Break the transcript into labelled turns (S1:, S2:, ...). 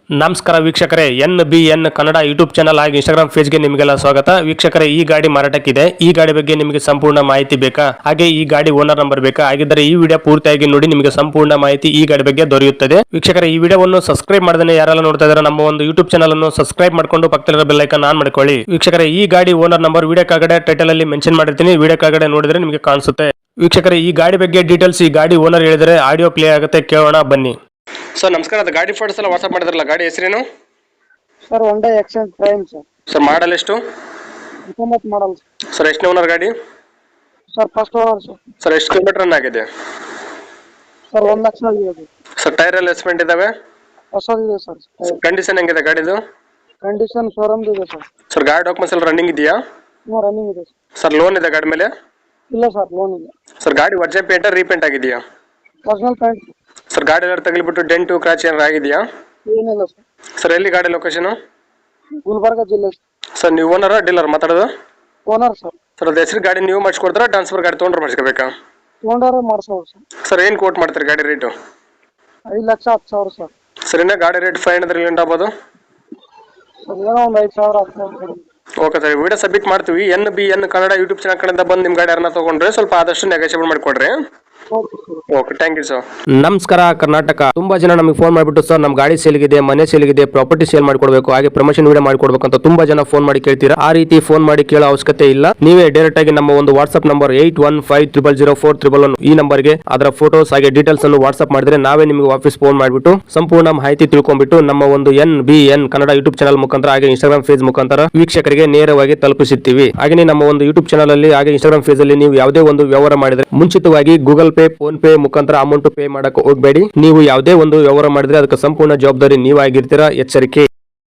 S1: ನಮಸ್ಕಾರ ವೀಕ್ಷಕರೇ, NBN Kannada YouTube channel ಹಾಗೂ ಇನ್ಸ್ಟಾಗ್ರಾಮ್ ಪೇಜ್ಗೆ ನಿಮಗೆಲ್ಲ ಸ್ವಾಗತ. ವೀಕ್ಷಕರೇ, ಈ ಗಾಡಿ ಮಾರಾಟಕ್ಕಿದೆ. ಈ ಗಾಡಿ ಬಗ್ಗೆ ನಿಮಗೆ ಸಂಪೂರ್ಣ ಮಾಹಿತಿ ಬೇಕಾ? ಹಾಗೆ ಈ ಗಾಡಿ ಓನರ್ ನಂಬರ್ ಬೇಕಾ? ಹಾಗಿದ್ದರೆ ಈ ವಿಡಿಯೋ ಪೂರ್ತಿಯಾಗಿ ನೋಡಿ, ನಿಮಗೆ ಸಂಪೂರ್ಣ ಮಾಹಿತಿ ಈ ಗಾಡಿ ಬಗ್ಗೆ ದೊರೆಯುತ್ತದೆ. ವೀಕ್ಷಕರೇ, ಈ ವಿಡಿಯೋವನ್ನು ಸಬ್ಸ್ಕ್ರೈಬ್ ಮಾಡದೇ ಯಾರೆಲ್ಲ ನೋಡ್ತಾ ಇದ್ದಾರೆ ನಮ್ಮ ಒಂದು ಯೂಟ್ಯೂಬ್ ಚಾನಲ್ ಅನ್ನು ಸಬ್ಸ್ಕ್ರೈಬ್ ಮಾಡ್ಕೊಂಡು ಪಕ್ಕದಲ್ಲಿರೋ ಬೆಲ್ ಐಕಾನ್ ಆನ್ ಮಾಡ್ಕೊಳ್ಳಿ. ವೀಕ್ಷಕರೇ, ಈ ಗಾಡಿ ಓನರ್ ನಂಬರ್ ವಿಡಿಯೋ ಕೆಳಗಡೆ ಟೈಟಲ್ ಅಲ್ಲಿ ಮೆನ್ಷನ್ ಮಾಡಿರ್ತೀನಿ, ವಿಡಿಯೋ ಕೆಳಗಡೆ ನೋಡಿದ್ರೆ ನಿಮಗೆ ಕಾಣಿಸುತ್ತೆ. ವೀಕ್ಷಕರೇ, ಈ ಗಾಡಿ ಬಗ್ಗೆ ಡೀಟೇಲ್ಸ್ ಈ ಗಾಡಿ ಓನರ್ ಹೇಳಿದರೆ ಆಡಿಯೋ ಪ್ಲೇ ಆಗುತ್ತೆ, ಕೇಳೋಣ ಬನ್ನಿ. ಸರ್ ನಮಸ್ಕಾರ, ಅದು ಗಾಡಿ ಫೋಟೋಸ್ ಎಲ್ಲ ವಾಟ್ಸ್ಆಪ್ ಮಾಡಿದ್ರಲ್ಲ, ಗಾಡಿ ಹೆಸರೇನು?
S2: Sir Honda Accent Prime sir.
S1: Sir model ಎಷ್ಟು?
S2: 19 ಮಾಡಲ್
S1: ಸರ್. ಎಷ್ಟು ಓನರ್ ಗಾಡಿ?
S2: Sir first owner sir.
S1: Sir ಎಷ್ಟು ಕಿಲೋಮೀಟರ್ ರನ್ ಆಗಿದೆ?
S2: ಸರ್ 1 ಲಕ್ಷ ಆಗಿದೆ.
S1: ಸರ್ ಟೈರ್ ಎಲ್ಲ ಎಸ್ಪೆಂಟ್ ಇದಾವೆ?
S2: ಹೊಸದಿದೆ ಸರ್.
S1: ಕಂಡೀಷನ್ ಹೆಂಗಿದೆ ಗಾಡಿದು?
S2: ಕಂಡೀಷನ್ ಶೋರೂಮ್ ಇದೆ ಸರ್.
S1: ಸರ್ ಗಾಡಿ ಡಾಕ್ಯುಮೆಂಟ್ಸ್ ಎಲ್ಲ ರನ್ನಿಂಗ್ ಇದೆಯಾ?
S2: ರನ್ನಿಂಗ್ ಇದೆ
S1: ಸರ್ ಲೋನ್ ಇದೆ ಗಾಡಿ ಮೇಲೆ?
S2: ಇಲ್ಲ ಸರ್, ಲೋನ್ ಇಲ್ಲ.
S1: ಸರ್ ಗಾಡಿ ಒರ್ಜಿನಲ್ ಪೇಂಟ್ ರೀಪೇಂಟ್ ಆಗಿದೆಯಾ?
S2: Personal paint.
S1: ಸರ್ ಗಾಡಿ ಎಲ್ಲ ತಗಲಿಬಿಟ್ಟು ಡೆಂಟು ಕ್ರಾಚ್ ಏನಾರು ಆಗಿದೆಯಾ?
S2: ಏನಿಲ್ಲ ಸರ್.
S1: ಸರ್ ಎಲ್ಲಿ ಗಾಡಿ ಲೊಕೇಶನ್?
S2: ಗುಲ್ಬರ್ಗ ಜಿಲ್ಲೆ.
S1: ಸರ್ ನೀವು ಓನರ್ ಡೀಲರ್ ಮಾತಾಡೋದು?
S2: Owner sir.
S1: ಸರ್ ಅದು ಹೆಸರು ಗಾಡಿ ನೀವು ಮಾಡಿಸ್ಕೊಡ್ತಾರಾ, ಟ್ರಾನ್ಸ್ಫರ್ ಗಾಡಿ ತೊಗೊಂಡ್ರೆ ಮಾಡಿಸ್ಕೋಬೇಕಾ?
S2: ತೊಗೊಂಡಾರೆ ಮಾಡಿಸೋರು ಸರ್.
S1: ಸರ್ ಏನು ಕೋಟ್ ಮಾಡ್ತಾರೆ ಗಾಡಿ ರೇಟು?
S2: 5,10,000 ಸರ್.
S1: ಸರ್ ಇನ್ನು ಗಾಡಿ ರೇಟ್ 500 ಲಿಂಟ್ ಆಗ್ಬೋದು?
S2: ಸರ್ ಏನೋ ಒಂದು 5,000 ಆಗ್ತದೆ.
S1: ಓಕೆ ಸರ್, ವಿಡಿಯೋ ಸಬ್ಮಿಟ್ ಮಾಡ್ತೀವಿ. NBN ಕನ್ನಡ ಯೂಟ್ಯೂಬ್ ಚಾನಲ್ ಕಡೆಯಿಂದ ಬಂದು ನಿಮ್ಮ ಗಾಡಿ ಯಾರನ್ನ ತೊಗೊಂಡ್ರೆ ಸ್ವಲ್ಪ ಆದಷ್ಟು ನೆಗೋಷಿಯೇಟ್ ಮಾಡಿಕೊಡ್ರಿ. Okay, thank you sir. ನಮಸ್ಕಾರ ಕರ್ನಾಟಕ. ತುಂಬಾ ಜನ ನಮಗೆ ಫೋನ್ ಮಾಡಿಬಿಟ್ಟು ಸರ್ ನಮ್ಮ ಗಾಡಿ ಸೇಲ್ಗಿದೆ, ಮನೆ ಸೇಲ್ಗಿದೆ, ಪ್ರಾಪರ್ಟಿ ಸೇಲ್ ಮಾಡ್ಕೊಡ್ಬೇಕು, ಹಾಗೆ ಪ್ರಮೋಷನ್ ವಿಡಿಯೋ ಮಾಡ್ಕೊಡ್ಬೇಕು ಅಂತ ತುಂಬಾ ಜನ ಫೋನ್ ಮಾಡಿ ಕೇಳ್ತೀರಾ. ಆ ರೀತಿ ಫೋನ್ ಮಾಡಿ ಕೇಳೋ ಅವಶ್ಯಕತೆ ಇಲ್ಲ. ನೀವೇ ಡೈರೆಕ್ಟ್ ಆಗಿ ನಮ್ಮ ಒಂದು ವಾಟ್ಸ್ಆಪ್ ನಂಬರ್ 81500411 ಈ ನಂಬರ್ಗೆ ಅದರ ಫೋಟೋಸ್ ಹಾಗೆ ಡೀಟೇಲ್ಸ್ ಅನ್ನು ವಾಟ್ಸ್ಆಪ್ ಮಾಡಿದ್ರೆ ನಾವೇ ನಿಮಗೆ ವಾಪಸ್ ಫೋನ್ ಮಾಡಿಬಿಟ್ಟು ಸಂಪೂರ್ಣ ಮಾಹಿತಿ ತಿಳ್ಕೊಂಡ್ಬಿಟ್ಟು ನಮ್ಮ ಒಂದು NBN ಕನ್ನಡ ಯೂಟ್ಯೂಬ್ ಚಾನಲ್ ಮುಖಾಂತರ ಹಾಗೆ ಇನ್ಸ್ಟಾಗ್ರಾಮ್ ಪೇಜ್ ಮುಖಾಂತರ ವೀಕ್ಷಕರಿಗೆ ನೇರವಾಗಿ ತಲುಪಿಸುತ್ತೀವಿ. ಹಾಗೆ ನಮ್ಮ ಒಂದು ಯೂಟ್ಯೂಬ್ ಚಾನಲ್ ಅಲ್ಲಿ ಹಾಗೆ ಇನ್ಸ್ಟಾಗ್ರಾಮ್ ಪೇಜ್ ಅಲ್ಲಿ ನೀವು ಯಾವುದೇ ಒಂದು ವ್ಯವಹಾರ ಮಾಡಿದ್ರೆ ಮುಂಚಿತವಾಗಿ ಗೂಗಲ್ ಪೇ, ಫೋನ್ ಪೇ ಮುಖಾಂತರ ಅಮೌಂಟ್ ಪೇ ಮಾಡಕ್ಕೆ ಹೋಗಬೇಡಿ. ನೀವು ಯಾವುದೇ ಒಂದು ವ್ಯವಹಾರ ಮಾಡಿದ್ರೆ ಅದಕ್ಕೆ ಸಂಪೂರ್ಣ ಜವಾಬ್ದಾರಿ ನೀವಾಗಿರ್ತೀರಾ, ಎಚ್ಚರಿಕೆ.